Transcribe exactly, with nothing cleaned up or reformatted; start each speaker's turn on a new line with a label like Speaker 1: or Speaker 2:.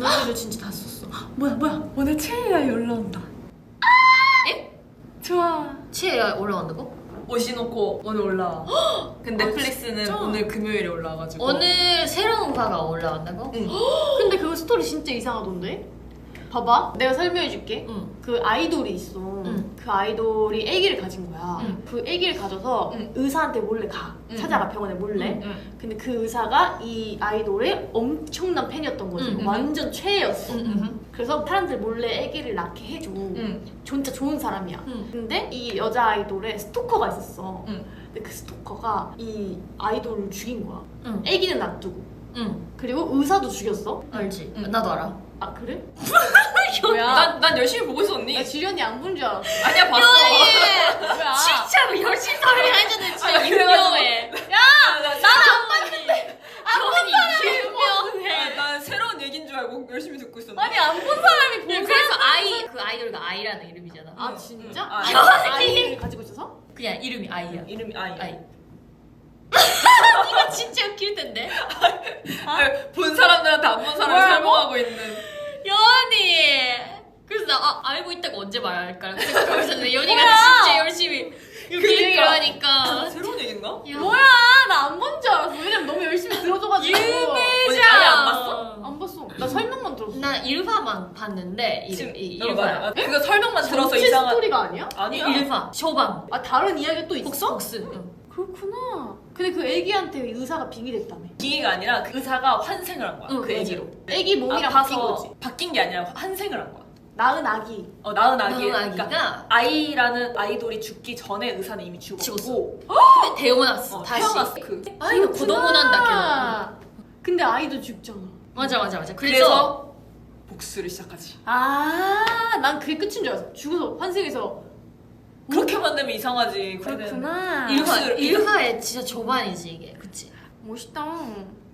Speaker 1: 오늘도 진짜 다 썼어.
Speaker 2: 뭐야 뭐야 오늘 최애아이 올라온다.
Speaker 1: 에?
Speaker 2: 좋아.
Speaker 1: 최애가 올라온다고?
Speaker 3: 오시노코 오늘 올라와. 근데 넷플릭스는
Speaker 2: 진짜?
Speaker 3: 오늘 금요일에 올라와가지고.
Speaker 1: 오늘 새로운 화가 올라온다고?
Speaker 3: 응.
Speaker 2: 근데 그거 스토리 진짜 이상하던데? 봐봐 내가 설명해줄게.
Speaker 1: 응.
Speaker 2: 그 아이돌이 있어.
Speaker 1: 응.
Speaker 2: 그 아이돌이 아기를 가진 거야.
Speaker 1: 응.
Speaker 2: 그 아기를 가져서
Speaker 3: 응.
Speaker 2: 의사한테 몰래 가.
Speaker 3: 응.
Speaker 2: 찾아가 병원에 몰래.
Speaker 3: 응.
Speaker 2: 근데 그 의사가 이 아이돌의 엄청난 팬이었던 거지.
Speaker 1: 응.
Speaker 2: 완전 최애였어.
Speaker 1: 응, 응.
Speaker 2: 그래서 사람들 몰래 아기를 낳게 해줘.
Speaker 3: 응.
Speaker 2: 진짜 좋은 사람이야.
Speaker 1: 응.
Speaker 2: 근데 이 여자 아이돌에 스토커가 있었어.
Speaker 3: 응.
Speaker 2: 근데 그 스토커가 이 아이돌을 죽인 거야.
Speaker 1: 응.
Speaker 2: 아기는 놔두고.
Speaker 1: 응.
Speaker 2: 그리고 의사도 죽였어.
Speaker 1: 알지?
Speaker 3: 응.
Speaker 1: 나도 알아.
Speaker 2: 아 그래?
Speaker 3: 뭐야? 난, 난 열심히 보고 있었니?
Speaker 2: 나 지련이 안 본 줄 알았어.
Speaker 3: 아니야 봤어.
Speaker 2: 뭐야?
Speaker 1: 진짜로 열심히 살해하잖아 진짜
Speaker 3: 아니,
Speaker 1: 유명해.
Speaker 3: 야! 나, 나,
Speaker 1: 안 봤는데. 아니 유명해.
Speaker 3: 아, 난 새로운 얘기인 줄 알고 열심히 듣고 있었는데.
Speaker 2: 아니 안 본 사람이 본
Speaker 1: 그래서 아이 그 아이돌가 아이라는 이름이잖아.
Speaker 2: 아 진짜?
Speaker 3: 응. 아,
Speaker 2: 아이를 가지고 있어서?
Speaker 1: 그냥 이름이 아이야.
Speaker 3: 이름이 아이.
Speaker 1: 아이. 이거 진짜 웃길 텐데.
Speaker 3: 아, 본 사람들한테 안 본 사람을
Speaker 2: 뭐야,
Speaker 3: 설명하고 있는.
Speaker 1: 연이. 그래서 나 아, 알고 있다고 언제 말할까 생각하고 있었는데 연이가
Speaker 2: 뭐야?
Speaker 1: 진짜 열심히 이렇게
Speaker 3: 그러니까.
Speaker 1: 얘기를 하니까.
Speaker 3: 새로운 얘기인가?
Speaker 1: 야.
Speaker 2: 뭐야? 나 안 본 줄 알았어. 왜냐면 너무 열심히 들어줘가지고.
Speaker 3: 언니 아예 안 봤어?
Speaker 2: 안 봤어. 나 설명만 들었어.
Speaker 1: 나 일화만 봤는데 이,
Speaker 3: 지금
Speaker 1: 이
Speaker 3: 어,
Speaker 1: 일화.
Speaker 3: 맞아. 그거 설명만 들어서
Speaker 2: 전체
Speaker 3: 이상한.
Speaker 2: 스토리가 아니야?
Speaker 3: 아니야.
Speaker 1: 일화. 쇼방.
Speaker 2: 아 다른 이야기가 또 있어?
Speaker 1: 복수. 복수. 응.
Speaker 2: 그렇구나. 근데 그 애기한테 의사가 빙의됐다며.
Speaker 3: 기계가 아니라 그 의사가 환생을 한 거야.
Speaker 1: 응,
Speaker 3: 그
Speaker 1: 맞아.
Speaker 3: 애기로.
Speaker 2: 애기 몸이랑
Speaker 3: 아파서
Speaker 2: 바뀐 거지.
Speaker 3: 바뀐 게 아니라 환생을 한 거야.
Speaker 2: 낳은 아기.
Speaker 3: 어, 낳은 아기.
Speaker 1: 낳은 아기가
Speaker 3: 아이라는 아이돌이 죽기 전에 의사는 이미 죽었고.
Speaker 1: 죽었어. 근데 태어났어.
Speaker 3: 어,
Speaker 1: 다시.
Speaker 3: 태어났어. 그.
Speaker 1: 아이가 고동문한다
Speaker 2: 그렇구나. 근데 아이도 죽잖아.
Speaker 1: 맞아 맞아 맞아. 그래서,
Speaker 3: 그래서 복수를 시작하지.
Speaker 2: 아, 난 그게 끝인 줄 알았어. 죽어서 환생해서.
Speaker 3: 그렇게 만들면 이상하지.
Speaker 2: 그렇구나.
Speaker 1: 일화
Speaker 3: 복수를-
Speaker 1: 일화의 진짜 조반이지 이게. 그치?
Speaker 2: 멋있다.